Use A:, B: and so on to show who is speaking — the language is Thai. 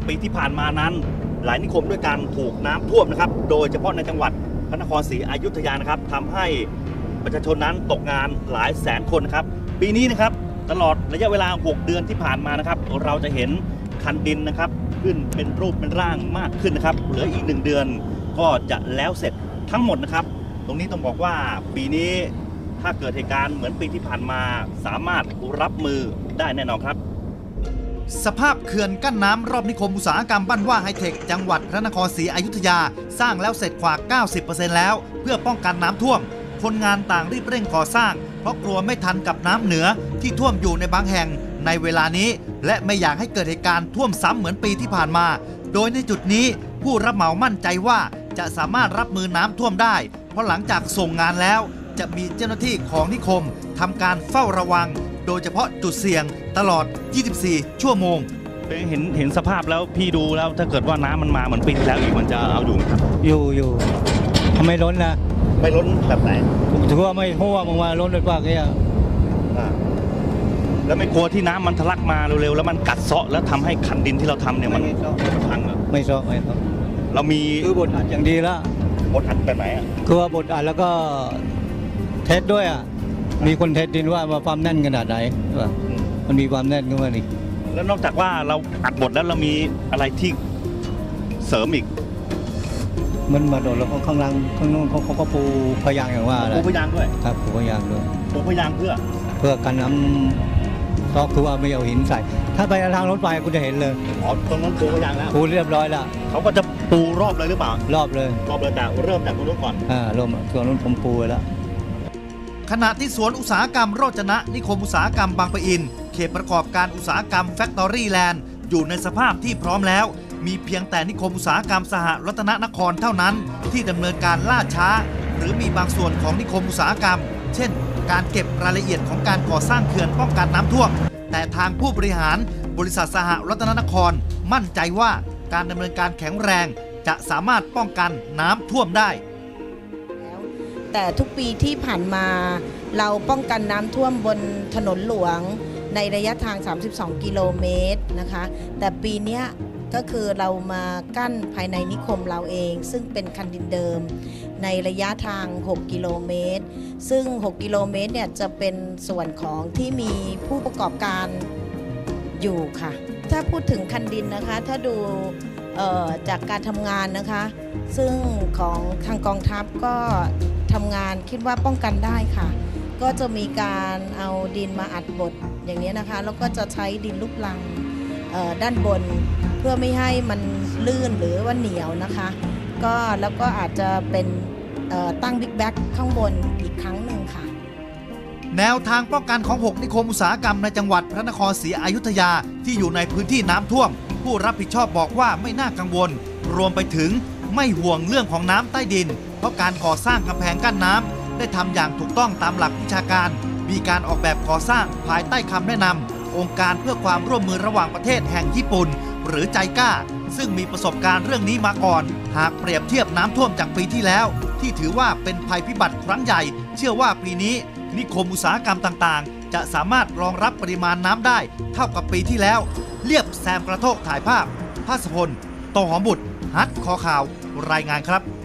A: ปีที่ผ่านมานั้นหลายนิคมด้วยกันถูกน้ำท่วมนะครับโดยเฉพาะในจังหวัดพระนครศรีอยุธยานะครับทำให้ประชาชนนั้นตกงานหลายแสนคนนะครับปีนี้นะครับตลอดระยะเวลา6 เดือนที่ผ่านมานะครับเราจะเห็นคันดินนะครับขึ้นเป็นรูปเป็นร่างมากขึ้นนะครับเหลืออีก1 เดือนก็จะแล้วเสร็จทั้งหมดนะครับตรงนี้ต้องบอกว่าปีนี้ถ้าเกิดเหตุการณ์เหมือนปีที่ผ่านมาสามารถรับมือได้แน่นอนครับสภาพเขื่อนกั้นน้ำรอบนิคมอุตสาหกรรมบ้านว่าไฮเทคจังหวัดพระนครศรีอยุธยาสร้างแล้วเสร็จกว่า 90% แล้วเพื่อป้องกันน้ำท่วมคนงานต่างรีบเร่งก่อสร้างเพราะกลัวไม่ทันกับน้ำเหนือที่ท่วมอยู่ในบางแห่งในเวลานี้และไม่อยากให้เกิดเหตุการณ์ท่วมซ้ำเหมือนปีที่ผ่านมาโดยในจุดนี้ผู้รับเหมามั่นใจว่าจะสามารถรับมือน้ำท่วมได้เพราะหลังจากส่งงานแล้วจะมีเจ้าหน้าที่ของนิคมทำการเฝ้าระวังโดยเฉพาะจุดเสี่ยงตลอด 24 ชั่วโมงเห็นสภาพแล้วพี่ดูแล้วถ้าเกิดว่าน้ำมันมาเหมือนปีที่แล้วอีกมันจะเอาอยู่ไหมครับ
B: อยู่ทำไมล้นนะ
A: ไม่ล้นแบบไหน
B: ถือว่าไม่ท่วมมาล้นเลยกว่าแค่
A: แล้วไม่กลัวที่น้ำมันทะลักมาเร็วๆแล้วมันกัดเซาะแล้วทำให้คันดินที่เราทำเนี่ยมันพังเหรอ
B: ไม่เซาะ
A: เรามี
B: คือบดอัดอย่างดีแล้ว
A: บดอัดแบบไหนอ่ะ
B: คือว่าบดอัดแล้วก็เทสด้วยอ่ะมีคนเทสดินว่าความแน่นขนาดไหนมันมีความแน่นขึ้นมาอีก
A: แล้วนอกจากว่าเราอัดบดแล้วเรามีอะไรที่เสริมอีก
B: มันมาโดดแล้วข้างล่างข้างโน้นเขาก็ปูพยางอย่างว่า
A: ปูพยางด้วย
B: ครับปูพยางด้วย
A: ปูพยางเพื่อ
B: กันน้ำซอกคือว่าไม่เอาหินใส่ถ้าไปทางรถไฟคุณจะเห็นเลย
A: อ๋อตรงนั้นปูพยางแล้ว
B: ปูเรียบร้อยแล้ว
A: เขาก็จะปูรอบเลยหรือเปล่าร
B: อบเลย
A: แต่เริ่มจากตรงนู้นก่อน
B: เริ่มตรงนู้นผมปูไว้แล้ว
C: ขณะที่สวนอุตสาหกรรมโรจนะนิคมอุตสาหกรรมบางปะอินเขตประกอบการอุตสาหกรรมแฟคทอรี่แลนด์อยู่ในสภาพที่พร้อมแล้วมีเพียงแต่นิคมอุตสาหกรรมสหรัตนนครเท่านั้นที่ดำเนินการล่าช้าหรือมีบางส่วนของนิคมอุตสาหกรรมเช่นการเก็บรายละเอียดของการก่อสร้างเขื่อนป้องกันน้ำท่วมแต่ทางผู้บริหารบริษัทสหรัตนนครมั่นใจว่าการดำเนินการแข็งแรงจะสามารถป้องกันน้ำท่วมได้
D: แต่ทุกปีที่ผ่านมาเราป้องกันน้ำท่วมบนถนนหลวงในระยะทาง32 กิโลเมตรนะคะแต่ปีนี้ก็คือเรามากั้นภายในนิคมเราเองซึ่งเป็นคันดินเดิมในระยะทาง6 กิโลเมตรซึ่ง6 กิโลเมตรเนี่ยจะเป็นส่วนของที่มีผู้ประกอบการอยู่ค่ะถ้าพูดถึงคันดินนะคะถ้าดูจากการทำงานนะคะซึ่งของทางกองทัพก็ทำงานคิดว่าป้องกันได้ค่ะก็จะมีการเอาดินมาอัดบดอย่างนี้นะคะแล้วก็จะใช้ดินลูกรังด้านบนเพื่อไม่ให้มันลื่นหรือว่าเหนียวนะคะก็แล้วก็อาจจะเป็นตั้งบิ๊กแบ็กข้างบนอีกครั้งหนึ่งค่ะ
C: แนวทางป้องกันของ6นิคมอุตสาหกรรมในจังหวัดพระนครศรีอยุธยาที่อยู่ในพื้นที่น้ำท่วมผู้รับผิดชอบบอกว่าไม่น่ากังวลรวมไปถึงไม่ห่วงเรื่องของน้ำใต้ดินเพราะการก่อสร้างกำแพงกั้นน้ำได้ทำอย่างถูกต้องตามหลักวิชาการมีการออกแบบก่อสร้างภายใต้คำแนะนำองค์การเพื่อความร่วมมือระหว่างประเทศแห่งญี่ปุ่นหรือไจก้าซึ่งมีประสบการณ์เรื่องนี้มาก่อนหากเปรียบเทียบน้ำท่วมจากปีที่แล้วที่ถือว่าเป็นภัยพิบัติครั้งใหญ่เชื่อว่าปีนี้นิคมอุตสาหกรรมต่างๆจะสามารถรองรับปริมาณน้ำได้เท่ากับปีที่แล้วเรียบแซมกระโทกถ่ายภาพภาสพล โตหอมบุตรฮัทคอข่าวรายงานครับ